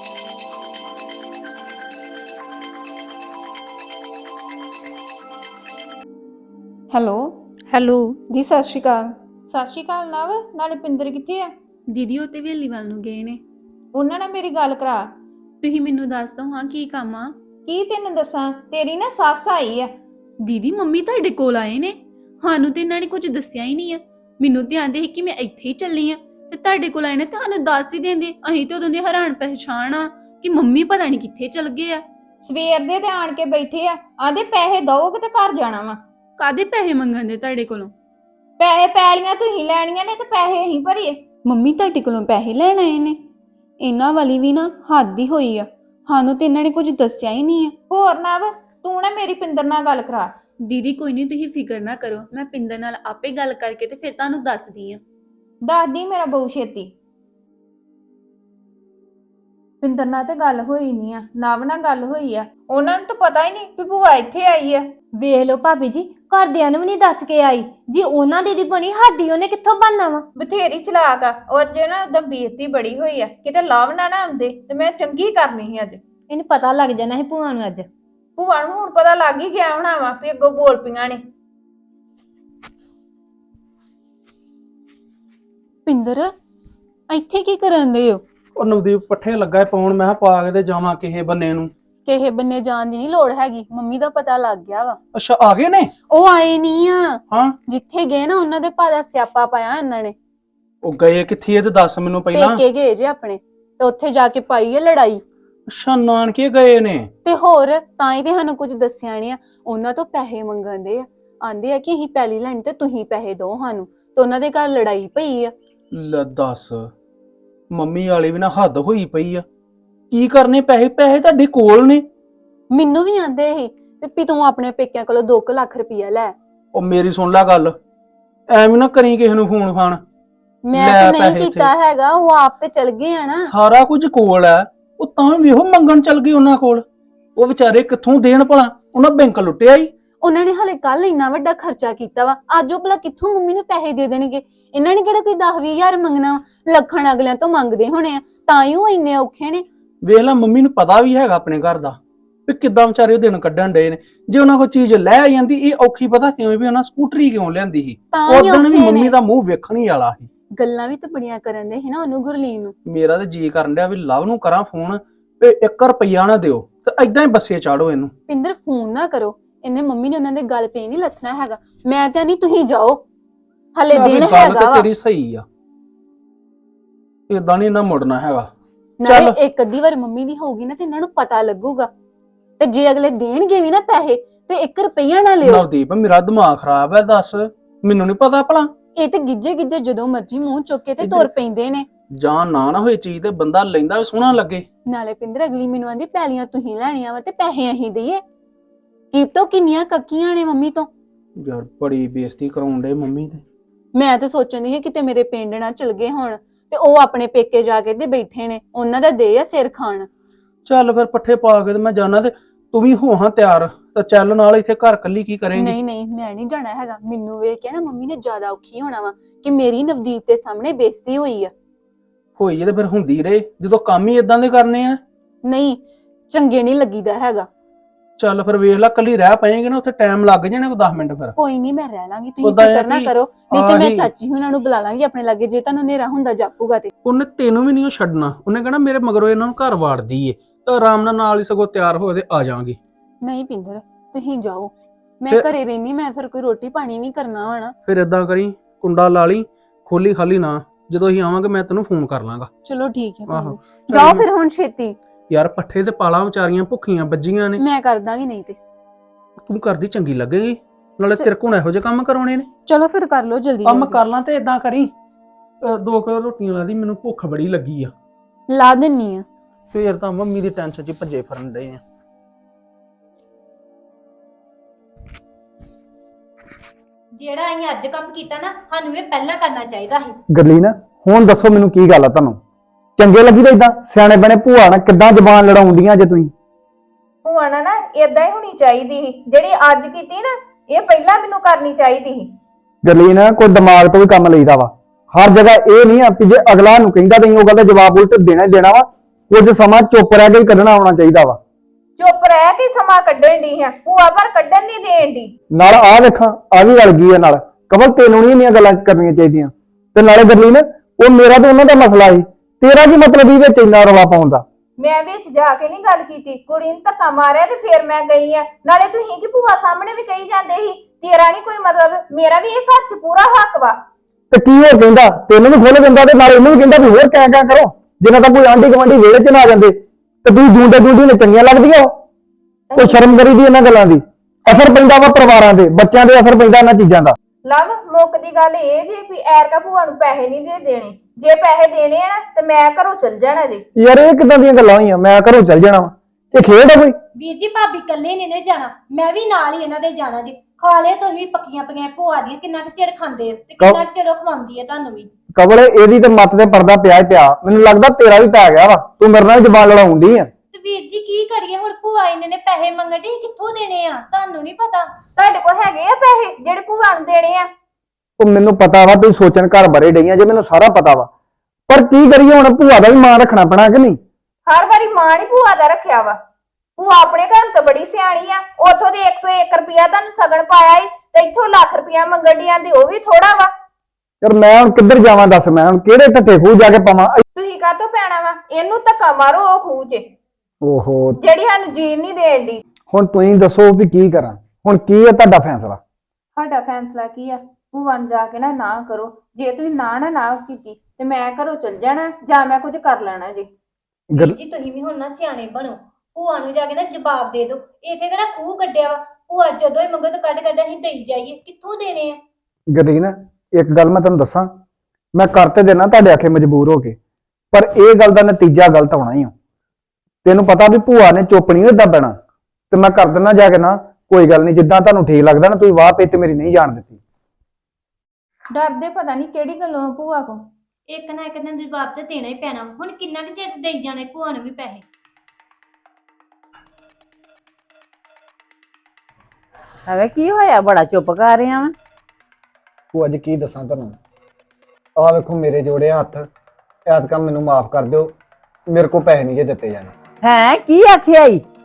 [SPEAKER 5] ਹੈਲੋ
[SPEAKER 3] ਹੈਲੋ
[SPEAKER 5] ਜੀ, ਸਤਿ ਸ਼੍ਰੀ ਅਕਾਲ।
[SPEAKER 3] ਸਤਿ ਸ਼੍ਰੀ ਅਕਾਲ ਨਵ, ਨਾਲੇ ਪਿੰਦਰ ਕਿੱਥੇ ਆ?
[SPEAKER 5] ਦੀਦੀ ਉਹ ਤੇ ਵੇਲੀ ਵੱਲ ਨੂੰ ਗਏ ਨੇ।
[SPEAKER 3] ਉਹਨਾਂ ਨਾਲ ਮੇਰੀ ਗੱਲ ਕਰਾ।
[SPEAKER 5] ਤੁਸੀਂ ਮੈਨੂੰ ਦੱਸ ਦਿਓ ਹਾਂ ਕੀ ਕੰਮ ਆ?
[SPEAKER 3] ਕੀ ਤੈਨੂੰ ਦੱਸਾਂ, ਤੇਰੀ ਨਾ ਸੱਸ ਆਈ ਆ।
[SPEAKER 5] ਦੀਦੀ ਮੰਮੀ ਤੁਹਾਡੇ ਕੋਲ ਆਏ ਨੇ, ਸਾਨੂੰ ਤੇ ਇਹਨਾਂ ਨੇ ਕੁਝ ਦੱਸਿਆ ਹੀ ਨਹੀਂ ਆ। ਮੈਨੂੰ ਤੇ ਆਂਦੇ ਸੀ ਕਿ ਮੈਂ ਇੱਥੇ ਹੀ ਚੱਲੀ ਆ, ਤੇ ਤੁਹਾਡੇ ਕੋਲ ਆਏ ਨੇ ਤੁਹਾਨੂੰ ਦੱਸ ਹੀ ਦਿੰਦੇ। ਅਸੀਂ ਤੇ ਉਦੋਂ ਦੇ ਹੈਰਾਨ ਪਹਿਚਾਨ ਆ ਕਿ ਮੰਮੀ ਪਤਾ ਨਹੀਂ ਕਿੱਥੇ ਚੱਲ ਗਏ ਆ।
[SPEAKER 3] ਸਵੇਰ ਦੇ ਤੇ ਆਣ ਕੇ ਬੈਠੇ ਆ, ਆਂਦੇ ਪੈਸੇ ਦਓਗੇ ਤੇ ਘਰ ਜਾਣਾ ਵਾ।
[SPEAKER 5] ਕਾਦੇ ਪੈਸੇ ਮੰਗਣ ਦੇ ਤੁਹਾਡੇ ਕੋਲੋਂ?
[SPEAKER 3] ਪੈਸੇ ਪੈਲੀਆਂ ਤੁਸੀਂ ਲੈਣੀਆਂ ਨੇ ਤੇ ਪੈਸੇ ਅਸੀਂ ਭਰੀਏ।
[SPEAKER 5] ਮੰਮੀ ਤੁਹਾਡੇ ਕੋਲੋਂ ਪੈਸੇ ਲੈਣ ਆਏ ਨੇ? ਇਹਨਾਂ ਵਾਲੀ ਵੀ ਨਾ ਹੱਦ ਹੀ ਹੋਈ ਆ, ਸਾਨੂੰ ਤੇ ਇਹਨਾਂ ਨੇ ਕੁਝ ਦੱਸਿਆ ਹੀ ਨਹੀਂ ਆ।
[SPEAKER 3] ਹੋਰ ਨਵ, ਤੂੰ ਨਾ ਮੇਰੀ ਪਿੰਦਰ ਨਾਲ ਗੱਲ ਕਰਾ।
[SPEAKER 5] ਦੀਦੀ ਕੋਈ ਨਹੀਂ, ਤੁਸੀਂ ਫਿਕਰ ਨਾ ਕਰੋ, ਮੈਂ ਪਿੰਦਰ ਨਾਲ ਆਪੇ ਗੱਲ ਕਰਕੇ ਤੇ ਫਿਰ ਤੁਹਾਨੂੰ ਦੱਸਦੀ ਆ।
[SPEAKER 3] ਦੱਸਦੀ ਮੇਰਾ ਬਹੁ ਛੇਤੀ। ਪਿੰਦਰ ਨਾਲ ਤੇ ਗੱਲ ਹੋਈ ਨਹੀਂ ਆ, ਨਵ ਨਾਲ ਗੱਲ ਹੋਈ ਆ। ਉਹਨਾਂ ਨੂੰ ਤਾਂ ਪਤਾ ਹੀ ਨਹੀਂ ਵੀ ਭੂਆ ਇੱਥੇ ਆਈ ਆ।
[SPEAKER 2] ਵੇਖ ਲਓ ਭਾਬੀ ਜੀ, ਘਰਦਿਆਂ ਨੂੰ ਵੀ ਨਹੀਂ ਦੱਸ ਕੇ ਆਈ, ਜੀ ਉਹਨਾਂ ਦੀ ਦੀ ਬਣੀ ਸਾਡੀ ਉਹਨੇ ਕਿੱਥੋਂ ਬਣਨਾ ਵਾ।
[SPEAKER 3] ਬਥੇਰੀ ਚਲਾਕ ਆ ਉਹ। ਅੱਜ ਨਾ ਉਦੋਂ ਬੇਇੱਜ਼ਤੀ ਬੜੀ ਹੋਈ ਆ, ਕਿਤੇ ਲਵ ਨਾ ਨਾ ਆਉਂਦੇ ਤੇ ਮੈਂ ਚੰਗੀ ਕਰਨੀ ਸੀ ਅੱਜ।
[SPEAKER 2] ਇਹਨੂੰ ਪਤਾ ਲੱਗ ਜਾਣਾ ਸੀ ਭੂਆ ਨੂੰ ਅੱਜ।
[SPEAKER 3] ਭੂਆ ਨੂੰ ਹੁਣ ਪਤਾ ਲੱਗ ਹੀ ਗਿਆ ਹੋਣਾ ਵਾ ਵੀ ਅੱਗੋਂ ਬੋਲ ਪਈਆਂ ਨੇ।
[SPEAKER 5] ਪਿੰਦਰ ਇੱਥੇ ਕੀ ਕਰਨ ਦੇ ਹੋ?
[SPEAKER 6] ਉਹ ਨਵਦੀਪ ਪੱਠੇ ਲੱਗਾ ਪਾਉਣ, ਮੈਂ ਕਿਹਾ ਪਾ ਕੇ ਤੇ ਜਾਵਾਂ ਕਿਸੇ ਬੰਨੇ ਨੂੰ।
[SPEAKER 5] ਕਿਸੇ ਬੰਨੇ ਜਾਣ ਦੀ ਨਹੀਂ ਲੋੜ ਹੈਗੀ, ਮੰਮੀ ਦਾ ਪਤਾ ਲੱਗ ਗਿਆ ਵਾ।
[SPEAKER 6] ਅੱਛਾ ਆ ਗਏ ਨੇ?
[SPEAKER 5] ਉਹ ਆਏ ਨਹੀਂ ਆ।
[SPEAKER 6] ਹਾਂ
[SPEAKER 5] ਜਿੱਥੇ ਗਏ ਨਾ ਉਹਨਾਂ ਦੇ ਭਾ ਦਾ ਸਿਆਪਾ ਪਾਇਆ ਇਹਨਾਂ ਨੇ।
[SPEAKER 6] ਉਹ ਗਏ ਕਿੱਥੇ ਇਹ ਤੇ ਦੱਸ ਮੈਨੂੰ ਪਹਿਲਾਂ।
[SPEAKER 5] ਪੇਕੇ ਗਏ ਜੇ ਆਪਣੇ, ਤੇ ਉੱਥੇ ਜਾ ਕੇ ਪਾਈ ਹੈ ਲੜਾਈ।
[SPEAKER 6] ਅੱਛਾ ਨਾਨਕੇ ਗਏ ਨੇ?
[SPEAKER 5] ਤੇ ਹੋਰ ਤਾਂ ਹੀ ਤੇ ਸਾਨੂੰ ਕੁਝ ਦੱਸਿਆ ਨਹੀਂ ਆ। ਉਹਨਾਂ ਤੋਂ ਪੈਸੇ ਮੰਗਣ ਦੇ ਆ, ਆਂਦੇ ਆ ਕਿ ਅਸੀਂ ਪੈਲੀ ਲੈਣ ਤੇ ਤੁਸੀਂ ਪੈਸੇ ਦਿਓ ਸਾਨੂੰ, ਤੇ ਉਹਨਾਂ ਦੇ ਘਰ ਲੜਾਈ ਪਈ ਆ।
[SPEAKER 6] ਲੈ ਦੱਸ, ਮੰਮੀ ਵਾਲੀ ਵੀ ਨਾ ਹੱਦ ਹੋਈ ਪਈ ਆ। ਕੀ ਕਰਨੇ ਪੈਸੇ? ਪੈਸੇ ਤੁਹਾਡੇ ਕੋਲ ਨੇ।
[SPEAKER 5] ਮੈਨੂੰ ਵੀ ਆਂਦੇ ਸੀ ਤੇ ਵੀ ਤੂੰ ਆਪਣੇ ਪੇਕਿਆਂ ਕੋਲੋਂ ਦੋ ਕੁ ਲੱਖ ਰੁਪਇਆ ਲੈ।
[SPEAKER 6] ਉਹ ਮੇਰੀ ਸੁਣ ਲੈ ਗੱਲ, ਐਵੇਂ ਨਾ ਕਰੀ ਕਿਸੇ ਨੂੰ ਫੋਨ ਖਾਣ।
[SPEAKER 5] ਮੈਂ
[SPEAKER 6] ਲੈ
[SPEAKER 5] ਤੇ ਨਹੀਂ
[SPEAKER 6] ਪੈਸੇ
[SPEAKER 5] ਕੀਤਾ ਹੈਗਾ, ਉਹ ਆਪ ਤੇ ਚਲ ਗਏ ਆ ਨਾ।
[SPEAKER 6] ਸਾਰਾ ਕੁਝ ਕੋਲ ਹੈ, ਉਹ ਤਾਂ ਵੀ ਉਹ ਮੰਗਣ ਚੱਲ ਗਏ ਉਹਨਾਂ ਕੋਲ। ਉਹ ਵਿਚਾਰੇ ਕਿੱਥੋਂ ਦੇਣ ਭਲਾ? ਉਹਨਾਂ ਬੈਂਕ ਲੁੱਟਿਆ ਹੀ।
[SPEAKER 5] ਉਹਨਾਂ ਨੇ ਹਲੇ ਕੱਲ ਇੰਨਾ ਵੱਡਾ ਖਰਚਾ ਕੀਤਾ ਵਾ, ਅੱਜ ਉਹ ਭਲਾ ਕਿੱਥੋਂ ਮੰਮੀ ਨੂੰ ਪੈਸੇ ਦੇ ਦੇਣਗੇ? ਇਹਨਾਂ ਨੇ ਕਿਹੜਾ ਕੋਈ ਦਸ ਵੀਹ ਹਜ਼ਾਰ ਮੰਗਣਾ ਵਾ, ਲੱਖਾਂ ਅਗਲਿਆਂ ਤੋਂ ਮੰਗਦੇ ਹੋਣੇ ਆ, ਤਾਂ ਹੀ ਉਹ ਇੰਨੇ ਔਖੇ ਨੇ।
[SPEAKER 6] ਵੇਖ ਲੈ ਮੰਮੀ ਨੂੰ ਪਤਾ ਵੀ ਹੈਗਾ ਆਪਣੇ ਘਰ ਦਾ ਵੀ ਕਿੱਦਾਂ ਵਿਚਾਰੇ ਉਹ ਦਿਨ ਕੱਢਣ ਡਏ ਨੇ। ਜੇ ਉਹਨਾਂ ਕੋਲ ਚੀਜ਼ ਲੈ ਆ ਜਾਂਦੀ, ਇਹ ਔਖੀ ਪਤਾ ਕਿਉਂ ਵੀ ਉਹਨਾਂ ਸਕੂਟਰੀ ਕਿਉਂ ਲਿਆਂਦੀ ਸੀ।
[SPEAKER 5] ਤਾਂ ਹੀ
[SPEAKER 6] ਉਦੋਂ ਵੀ
[SPEAKER 5] ਔਖੇ
[SPEAKER 6] ਮੰਮੀ
[SPEAKER 5] ਨੇ।
[SPEAKER 6] ਦਾ ਮੂੰਹ ਵੇਖਣ ਹੀ ਵਾਲਾ ਸੀ।
[SPEAKER 5] ਗੱਲਾਂ ਵੀ ਤਾਂ ਬੜੀਆਂ ਕਰਨ ਦੇ ਸੀ ਨਾ ਉਹਨੂੰ, ਗੁਰਲੀਨ ਨੂੰ।
[SPEAKER 6] ਮੇਰਾ ਤੇ ਜੀ ਕਰਨ ਡਿਆ ਵੀ ਲਵ ਨੂੰ ਕਰਾਂ ਫੋਨ ਤੇ ਇੱਕ ਰੁਪਈਆ ਨਾ ਦਿਓ ਤੇ ਏਦਾਂ ਹੀ ਬੱਸੇ ਚਾੜੋ ਇਹਨੂੰ।
[SPEAKER 5] ਪਿੰਦਰ ਫੋਨ ਨਾ ਕਰੋ, ਇਹਨੇ ਮੰਮੀ ਨੇ ਉਹਨਾਂ ਦੇ ਗੱਲ ਪੇ ਨਹੀਂ ਲੱਥਣਾ ਹੈਗਾ। ਮੈਂ ਤਾਂ ਨਹੀਂ, ਤੁਸੀਂ ਜਾਓ, ਹਲੇ ਦਿਨ
[SPEAKER 6] ਗੱਲ
[SPEAKER 5] ਹੈਗਾ
[SPEAKER 6] ਤੇ
[SPEAKER 5] ਵਾ।
[SPEAKER 6] ਤੇਰੀ ਸਹੀ ਆ, ਏਦਾਂ ਨਹੀਂ ਨਾ ਮੁੜਨਾ ਹੈਗਾ।
[SPEAKER 5] ਨਾਲੇ ਇੱਕ ਅੱਧੀ ਵਾਰ ਮੰਮੀ ਦੀ ਹੋਊਗੀ ਨਾ ਤੇ ਇਹਨਾਂ ਨੂੰ ਪਤਾ ਲੱਗੂਗਾ। ਤੇ ਜੇ ਅਗਲੇ ਦੇਣਗੇ ਵੀ ਨਾ ਪੈਸੇ ਤੇ ਇੱਕ ਰੁਪਈਆ ਨਾ ਲਿਓ।
[SPEAKER 6] ਨਵਦੀਪ ਮੇਰਾ ਦਿਮਾਗ ਖਰਾਬ ਹੈ, ਦੱਸ ਮੈਨੂੰ ਨਹੀਂ ਪਤਾ ਭਲਾ।
[SPEAKER 5] ਇਹ ਤੇ ਗਿੱਜੇ ਗਿੱਜੇ ਜਦੋਂ ਮਰਜੀ ਮੂੰਹ ਚੁੱਕ ਕੇ ਤੇ ਤੁਰ ਪੈਂਦੇ ਨੇ।
[SPEAKER 6] ਜਾਂ ਨਾ ਨਾ ਹੋਏ ਚੀਜ਼ ਤੇ ਬੰਦਾ ਲੈਂਦਾ ਵੀ ਸੋਹਣਾ ਲੱਗੇ।
[SPEAKER 5] ਨਾਲੇ ਪਿੰਦਰ ਅਗਲੀ ਮੈਨੂੰ ਆਂਦੀ ਪੈਲੀਆਂ ਤੁਸੀਂ ਲੈਣੀਆਂ ਵਾ ਤੇ ਪੈਸੇ ਅਸੀਂ ਦਈਏ। ਕੀ ਤੋਂ ਕਿੰਨੀਆਂ ਕੱਕੀਆਂ ਨੇ ਮੰਮੀ ਤੋਂ।
[SPEAKER 6] ਯਾਰ ਬੜੀ ਬੇਇੱਜ਼ਤੀ ਕਰਾਉਣ ਡੇ ਮੰਮੀ ਤੇ।
[SPEAKER 5] ਮੈਂ ਤਾਂ ਸੋਚਦੀ ਸੀ ਕਿਤੇ ਮੇਰੇ ਪਿੰਡ ਨਾ ਚਲ ਗਏ ਹੁਣ ਤੇ ਉਹ ਆਪਣੇ ਪੇਕੇ ਜਾ ਕੇ ਤੇ ਬੈਠੇ ਨੇ, ਉਹਨਾਂ ਦਾ ਦੇ ਆ ਸਿਰ ਖਾਣ।
[SPEAKER 6] ਚੱਲ ਫਿਰ ਪੱਠੇ ਪਾ ਕੇ ਤੇ ਮੈਂ ਜਾਣਾ, ਤੇ ਤੂੰ ਵੀ ਹੋ ਹਾਂ ਤਿਆਰ ਤਾਂ ਚੱਲ ਨਾਲ। ਇੱਥੇ ਘਰ ਕੱਲੀ ਕੀ ਕਰੇਂਗੀ?
[SPEAKER 5] ਨਹੀਂ ਨਹੀਂ ਮੈਂ ਨਹੀਂ ਜਾਣਾ ਹੈਗਾ। ਮੈਨੂੰ ਵੇਖ ਕੇ ਨਾ ਮੰਮੀ ਨੇ ਜ਼ਿਆਦਾ ਔਖੀ ਹੋਣਾ ਵਾ ਕਿ ਮੇਰੀ ਨਵਦੀਪ ਦੇ ਸਾਹਮਣੇ ਬੇਇੱਜ਼ਤੀ ਹੋਈ ਆ।
[SPEAKER 6] ਹੋਈ ਤੇ ਫਿਰ ਹੁੰਦੀ ਰਹੇ, ਜਦੋਂ ਕੰਮ ਹੀ ਇਦਾਂ ਦੇ ਕਰਨੇ ਆ।
[SPEAKER 5] ਨਹੀਂ ਚੰਗੇ ਨਹੀਂ ਲੱਗੀਦਾ ਹੈਗਾ।
[SPEAKER 6] ਚੱਲ ਫਿਰ ਵੇਖ ਲੈ, ਕੱਲੀ ਰਹਿ ਪਏਗੀ ਨਾ ਉੱਥੇ, ਟਾਈਮ ਲੱਗ ਜਾਣੇ ਕੋ ਦਸ ਮਿੰਟ। ਫਿਰ
[SPEAKER 5] ਕੋਈ ਨਹੀਂ ਮੈਂ ਰਹਿ ਲਾਂਗੀ, ਤੁਸੀਂ
[SPEAKER 6] ਉਹਦਾ ਇਹ
[SPEAKER 5] ਫਿਕਰ ਨਾ
[SPEAKER 6] ਵੀ
[SPEAKER 5] ਕਰੋ। ਨਹੀਂ ਤੇ ਮੈਂ
[SPEAKER 6] ਆਹੀ-
[SPEAKER 5] ਚਾਚੀ ਹੁਣਾਂ ਨੂੰ ਬੁਲਾ ਲਾਂਗੀ ਆਪਣੇ ਲਾਗੇ, ਜੇ ਤੁਹਾਨੂੰ ਹਨੇਰਾ ਹੁੰਦਾ ਜਾਪੂਗਾ ਤੇ।
[SPEAKER 6] ਉਹਨੇ ਤੈਨੂੰ ਵੀ ਨਹੀਂ ਉਹ ਛੱਡਣਾ, ਉਹਨੇ ਕਹਿਣਾ ਮੇਰੇ ਮਗਰੋਂ ਇਹਨਾਂ ਨੂੰ ਘਰ ਵਾੜਦੀ ਏ, ਤਾਂ ਆਰਾਮ ਨਾਲ ਨਾਲ ਹੀ ਸਗੋਂ ਤਿਆਰ ਹੋ ਤੇ ਆ ਜਾਵਾਂਗੇ।
[SPEAKER 5] ਨਹੀਂ ਪਿੰਦਰ ਤੁਸੀਂ ਜਾਓ, ਮੈਂ
[SPEAKER 6] ਤੇ-
[SPEAKER 5] ਘਰੇ ਰਹਿਣੀ, ਮੈਂ ਫਿਰ ਕੋਈ ਰੋਟੀ ਪਾਣੀ ਵੀ ਕਰਨਾ ਹੋਣਾ।
[SPEAKER 6] ਫਿਰ ਏਦਾਂ ਕਰੀ, ਕੁੰਡਾ ਲਾ ਲਈ, ਖੋਲੀ ਖਾਲੀ ਨਾ, ਜਦੋਂ ਅਸੀਂ ਆਵਾਂਗੇ ਮੈਂ ਤੈਨੂੰ ਫੋਨ ਕਰ ਲਾਂਗਾ।
[SPEAKER 5] ਚਲੋ ਠੀਕ ਹੈ, ਕੋਈ
[SPEAKER 6] ਆਹੋ।
[SPEAKER 5] ਨੀ। ਜਾਓ ਫਿਰ ਹੁਣ ਛੇਤੀ।
[SPEAKER 6] ਯਾਰ ਪੱਠੇ ਤੇ ਪਾਲਾਂ ਵਿਚਾਰੀਆਂ ਭੁੱਖੀਆਂ ਵੱਜੀਆਂ ਨੇ।
[SPEAKER 5] ਮੈਂ ਕਰ ਦਾਂਗੀ ਨਹੀਂ ਤੇ।
[SPEAKER 6] ਤੂੰ ਕਰਦੀ ਚੰਗੀ ਲੱਗੇਗੀ, ਨਾਲੇ ਤੇਰੇ ਕੋਲ ਇਹੋ ਜਿਹੇ ਕੰਮ ਕਰਾਉਣੇ ਨੇ।
[SPEAKER 5] ਚਲੋ ਫਿਰ ਕਰ ਲਓ ਜਲਦੀ
[SPEAKER 6] ਕੰਮ
[SPEAKER 5] ਜਲਦੀ।
[SPEAKER 6] ਕਰ ਲਾਂ ਤੇ ਏਦਾਂ ਕਰੀ, ਅਹ ਦੋ ਕਿਲੋ ਰੋਟੀਆਂ ਲਾ ਦੀ, ਮੈਨੂੰ ਭੁੱਖ ਬੜੀ ਲੱਗੀ ਆ।
[SPEAKER 5] ਲਾ ਦਿੰਨੀ ਆ।
[SPEAKER 6] ਫੇਰ ਤਾਂ ਮੰਮੀ ਦੀ ਟੈਨਸ਼ਨ 'ਚ ਭੱਜੇ ਫਿਰਨ ਡਏ ਆ।
[SPEAKER 2] ਜਿਹੜਾ ਅਸੀਂ ਅੱਜ ਕੰਮ ਕੀਤਾ ਨਾ, ਸਾਨੂੰ ਇਹ ਪਹਿਲਾਂ ਕਰਨਾ ਚਾਹੀਦਾ ਸੀ।
[SPEAKER 4] ਗਰਲੀਨ ਹੁਣ ਦੱਸੋ ਮੈਨੂੰ ਕੀ ਗੱਲ ਆ ਤੁਹਾਨੂੰ? ਚੰਗੇ ਲੱਗੀ ਤਾਂ ਇਦਾਂ ਸਿਆਣੇ ਬਣੇ ਭੂਆ ਨਾਲ ਕਿੱਦਾਂ ਜ਼ਬਾਨ ਲੜਾਉਂਦੀਆਂ ਜੇ ਤੁਸੀਂ?
[SPEAKER 3] ਭੂਆ ਨਾਲ ਨਾ ਏਦਾਂ ਹੀ ਹੋਣੀ ਚਾਹੀਦੀ ਸੀ, ਜਿਹੜੀ ਅੱਜ ਕੀਤੀ ਨਾ ਇਹ ਪਹਿਲਾਂ ਮੈਨੂੰ ਕਰਨੀ ਚਾਹੀਦੀ ਸੀ।
[SPEAKER 4] ਗਰਲੀਨ ਕੋਈ ਦਿਮਾਗ ਤੋਂ ਵੀ ਕੰਮ ਲਈਦਾ ਵਾ। ਹਰ ਜਗ੍ਹਾ ਇਹ ਨਹੀਂ ਆ ਕਿ ਜੇ ਅਗਲਾ ਨੂੰ ਕਹਿੰਦਾ ਤਾਂ ਉਹ ਗੱਲ ਦਾ ਜਵਾਬ ਉਲਟ ਦੇਣਾ ਹੀ ਦੇਣਾ ਵਾ। ਕੁਝ ਸਮਾਂ ਚੁੱਪ ਰਹਿ ਕੇ ਹੀ ਕੱਢਣਾ ਆਉਣਾ ਚਾਹੀਦਾ ਵਾ।
[SPEAKER 3] ਚੁੱਪ ਰਹਿ ਕੇ ਸਮਾਂ ਕੱਢਣ ਦੀ ਆ ਭੂਆ, ਪਰ ਕੱਢਣ ਨਹੀਂ ਦੇਣ ਦੀ।
[SPEAKER 4] ਨਾਲ ਆ ਵੇਖਾਂ ਆ ਵੀ ਰਲ ਗਈ ਆ ਨਾਲ। ਕਮਲ ਤੈਨੂੰ ਨਹੀਂ ਇੰਨੀਆਂ ਗੱਲਾਂ ਕਰਨੀਆਂ ਚਾਹੀਦੀਆਂ। ਤੇ ਨਾਲੇ ਗਰਲੀਨ ਉਹ ਮੇਰਾ ਤੇ ਉਹਨਾਂ ਦਾ ਮਸਲਾ ਸੀ, ਤੇਰਾ ਕੀ ਮਤਲਬ ਹੀ ਵਿੱਚ ਇੰਨਾ ਰੌਲਾ ਪਾਉਣ ਦਾ?
[SPEAKER 3] ਮੈਂ ਵਿੱਚ ਜਾ ਕੇ ਨਹੀਂ ਗੱਲ ਕੀਤੀ, ਕੁੜੀ ਨੂੰ ਧੱਕਾ ਮਾਰਿਆ ਤੇ ਫੇਰ ਮੈਂ ਗਈ ਆ। ਨਾਲੇ ਤੁਸੀਂ ਕੀ ਭੂਆ ਸਾਹਮਣੇ ਵੀ ਕਹੀ ਜਾਂਦੇ ਸੀ ਤੇਰਾ ਨਹੀਂ ਕੋਈ ਮਤਲਬ, ਮੇਰਾ ਵੀ ਇਹ ਘਰ 'ਚ ਪੂਰਾ ਹੱਕ ਵਾ।
[SPEAKER 4] ਤੇ ਕੀ ਹੋਰ ਕਹਿੰਦਾ? ਤੈਨੂੰ ਵੀ ਖੋਲ ਦਿੰਦਾ ਤੇ ਨਾਲ ਇਹਨੂੰ ਵੀ ਕਹਿੰਦਾ ਵੀ ਹੋਰ ਕਹਿ ਕਹਿ ਕਰੋ। ਜਿੰਨਾ ਤਾਂ ਕੋਈ ਆਂਢੀ ਗੁਆਂਢੀ ਵਿਹੜੇ 'ਚ ਨਾ ਆ ਜਾਂਦੇ ਤੇ ਤੂੰ ਜੂੰਡੇ ਜੂੰਡੀ ਨੇ ਚੰਗੀਆਂ ਲੱਗਦੀਆਂ। ਕੋਈ ਸ਼ਰਮ ਕਰੀ ਦੀ ਇਹਨਾਂ ਗੱਲਾਂ ਦੀ। ਅਸਰ ਪੈਂਦਾ ਵਾ ਪਰਿਵਾਰਾਂ ਦੇ, ਬੱਚਿਆਂ ਦੇ ਅਸਰ ਪੈਂਦਾ ਇਹਨਾਂ ਚੀਜ਼ਾਂ ਦਾ।
[SPEAKER 3] ਲਵ ਮੁੱਕ ਦੀ ਗੱਲ ਇਹ ਜੀ ਵੀ ਐਰਕਾ ਭੂਆ ਨੂੰ ਪੈਸੇ ਨਹੀਂ ਦੇ ਦੇਣੇ। ਜੇ ਪੈਸੇ ਦੇਣੇ ਆ ਨਾ ਤੇ ਮੈਂ ਘਰੋਂ ਚਲ ਜਾਣਾ ਜੀ।
[SPEAKER 4] ਯਾਰ ਇਹ ਕਿਦਾਂ ਦੀਆਂ ਗੱਲਾਂ ਹੋਈਆਂ? ਮੈਂ ਘਰੋਂ ਚੱਲ ਜਾਣਾ ਵਾ, ਇਹ ਖੇਡ ਆ ਕੋਈ?
[SPEAKER 2] ਵੀਰ ਜੀ ਭਾਬੀ ਇਕੱਲੇ ਨਹੀਂ ਨੇ ਜਾਣਾ, ਮੈਂ ਵੀ ਨਾਲ ਹੀ ਇਹਨਾਂ ਦੇ ਜਾਣਾ ਜੀ। ਖਾ ਲਿਆ ਤੁਸੀਂ ਵੀ ਪੱਕੀਆਂ ਪੱਕੀਆਂ ਭੂਆ ਦੀਆਂ, ਕਿੰਨਾ ਕੁ ਚਿਰ ਖਾਂਦੇ ਹੋ ਤੇ ਕਿੰਨਾ ਕੁ ਚਿਰ ਉਹ ਖਵਾਉਂਦੀ ਹੈ ਤੁਹਾਨੂੰ ਵੀ।
[SPEAKER 4] ਕਬਲ ਇਹਦੀ ਤੇ ਮੱਤ ਤੇ ਪਰਦਾ ਪਿਆ ਹੀ ਪਿਆ। ਮੈਨੂੰ ਲੱਗਦਾ ਤੇਰਾ ਵੀ ਪੈ ਗਿਆ ਵਾ, ਤੂੰ ਮੇਰੇ ਨਾਲ ਜ਼ਬਾਨ ਲੜਾਉਂਦੀ ਆ।
[SPEAKER 2] ਤੇ ਵੀਰ ਜੀ ਕੀ ਕਰੀਏ ਹੁਣ, ਭੂਆ ਇਹਨੇ ਨੇ ਪੈਸੇ ਮੰਗਣੇ ਸੀ, ਕਿੱਥੋਂ ਦੇਣੇ ਆ? ਤੁਹਾਨੂੰ ਨਹੀਂ ਪਤਾ?
[SPEAKER 3] ਤੁਹਾਡੇ ਕੋਲ ਹੈਗੇ ਆ ਪੈਸੇ ਜਿਹੜੇ ਭੂਆ ਨੂੰ ਦੇਣੇ ਆ?
[SPEAKER 4] ਉਹ ਮੈਨੂੰ ਪਤਾ ਵਾ ਤੂੰ ਸੋਚਣ ਘਰ ਬਾਰੇ ਡਈਆਂ ਜੇ, ਮੈਨੂੰ ਸਾਰਾ ਪਤਾ ਵਾ। ਪਰ ਕੀ ਕਰੀਏ ਹੁਣ, ਭੂਆ ਦਾ ਵੀ ਮਾਨ ਰੱਖਣਾ ਪੈਣਾ ਕਿ ਨਹੀਂ?
[SPEAKER 3] ਹਰ ਵਾਰੀ ਮਾਂ ਨੀ ਭੂਆ ਦਾ ਰੱਖਿਆ ਵਾ। ਭੂਆ ਆਪਣੇ ਘਰ ਤੋਂ ਬੜੀ ਸਿਆਣੀ ਆ। ਉਥੋਂ ਦੇ ਇੱਕ ਸੌ ਇੱਕ ਰੁਪਿਆ ਤੁਹਾਨੂੰ ਸਗਣ ਪਾਇਆ ਈ ਤੇ ਇੱਥੋਂ ਲੱਖ ਰੁਪਿਆ ਮੰਗਣ ਦੀ ਆਂਦੀ, ਉਹ ਵੀ ਥੋੜਾ ਵਾ।
[SPEAKER 4] ਯਾਰ ਮੈਂ ਹੁਣ ਕਿੱਧਰ ਜਾਵਾਂ ਦੱਸ? ਮੈਂ ਹੁਣ ਕਿਹੜੇ ਢੱਠੇ ਖੂਹ ਜਾ ਕੇ ਪਾਵਾਂ?
[SPEAKER 3] ਤੁਸੀਂ ਕਾਹਤੋਂ ਪੈਣਾ ਵਾ? ਇਹਨੂੰ ਧੱਕਾ ਮਾਰੋ ਉਹ ਖੂਹ 'ਚ
[SPEAKER 4] ਓਹੋ,
[SPEAKER 3] ਜਿਹੜੀ ਸਾਨੂੰ ਜੀਣ ਨਹੀਂ ਦੇਣ ਦੀ।
[SPEAKER 4] ਹੁਣ ਤੁਸੀਂ ਦੱਸੋ ਵੀ ਕੀ ਕਰਾਂ? ਹੁਣ ਕੀ ਹੈ ਤੁਹਾਡਾ ਫੈਸਲਾ?
[SPEAKER 3] ਸਾਡਾ ਫੈਸਲਾ ਕੀ ਆ? ਭੂਆ ਨੂੰ ਜਾ ਕੇ ਨਾ ਨਾ ਕਰੋ। ਜੇ ਤੁਸੀਂ ਨਾ ਨਾ ਨਾ ਕੀਤੀ ਤੇ ਮੈਂ ਘਰੋਂ ਚਲ ਜਾਣਾ ਜਾਂ ਮੈਂ ਕੁਝ ਕਰ ਲੈਣਾ ਜੀ।
[SPEAKER 2] ਵੀਰ ਜੀ ਤੁਸੀਂ ਵੀ ਹੁਣ ਨਾ ਸਿਆਣੇ ਬਣੋ, ਭੂਆ ਨੂੰ ਜਾ ਕੇ ਨਾ ਜਵਾਬ ਦੇ ਦਿਓ। ਇੱਥੇ ਕਿਹੜਾ ਖੂਹ ਕੱਢਿਆ ਵਾ? ਭੂਆ ਜਦੋਂ ਹੀ ਮੰਗੋ ਤਾਂ ਕੱਢ ਕੱਢ ਅਸੀਂ ਦੇਈ ਜਾਈਏ, ਕਿੱਥੋਂ ਦੇਣੇ ਆ?
[SPEAKER 4] ਗਰੀਨ ਇੱਕ ਗੱਲ ਮੈਂ ਤੁਹਾਨੂੰ ਦੱਸਾਂ, ਮੈਂ ਕਰ ਤੇ ਦੇਣਾ ਤੁਹਾਡੇ ਆਖੇ ਮਜਬੂਰ ਹੋ ਕੇ, ਪਰ ਇਹ ਗੱਲ ਦਾ ਨਤੀਜਾ ਗਲਤ ਹੋਣਾ ਹੀ ਆ। ਤੈਨੂੰ ਪਤਾ ਵੀ ਭੂਆ ਨੇ ਚੁੱਪ ਨਹੀਂ ਏਦਾਂ ਪੈਣਾ, ਤੇ ਮੈਂ ਕਰ ਦਿੰਦਾ ਜਾ ਕੇ ਨਾ। ਕੋਈ ਗੱਲ ਨਹੀਂ, ਜਿੱਦਾਂ ਤੁਹਾਨੂੰ ਠੀਕ ਲੱਗਦਾ ਨਾ। ਤੁਸੀਂ ਵਾਹ ਪੇ ਤੇ ਮੇਰੀ ਨਹੀਂ ਜਾਣ ਦਿੱਤੀ।
[SPEAKER 3] ਡਰਦੇ ਪਤਾ ਨਹੀਂ ਕਿਹੜੀ ਗੱਲੋਂ ਭੂਆ ਕੋ।
[SPEAKER 2] ਇੱਕ ਨਾ ਇੱਕ ਦਿਨ ਜਵਾਬ ਤੇ ਦੇਣਾ ਹੀ ਪੈਣਾ। ਹੁਣ ਕਿੰਨਾ ਕੁ ਚਿਰ ਦੇਈ ਜਾਣੇ ਭੂਆ ਨੂੰ ਵੀ ਪੈਸੇ?
[SPEAKER 1] ਐਵੇਂ ਕੀ ਹੋਇਆ ਬੜਾ ਚੁੱਪ ਕਰ ਰਿਹਾ ਵਾ
[SPEAKER 4] ਤੂੰ ਅੱਜ ਕੀ ਦੱਸਾਂ ਤੁਹਾਨੂੰ। ਆਹ ਵੇਖੋ ਮੇਰੇ ਜੋੜੇ ਹੱਥ, ਐਤਕਾਂ ਮੈਨੂੰ ਮਾਫ ਕਰ ਦਿਓ, ਮੇਰੇ ਕੋਲ ਪੈਸੇ ਨਹੀਂ ਜੇ ਦਿੱਤੇ ਜਾਣੇ।
[SPEAKER 1] ਹੈ ਕੀ ਆਖਿਆ ਈ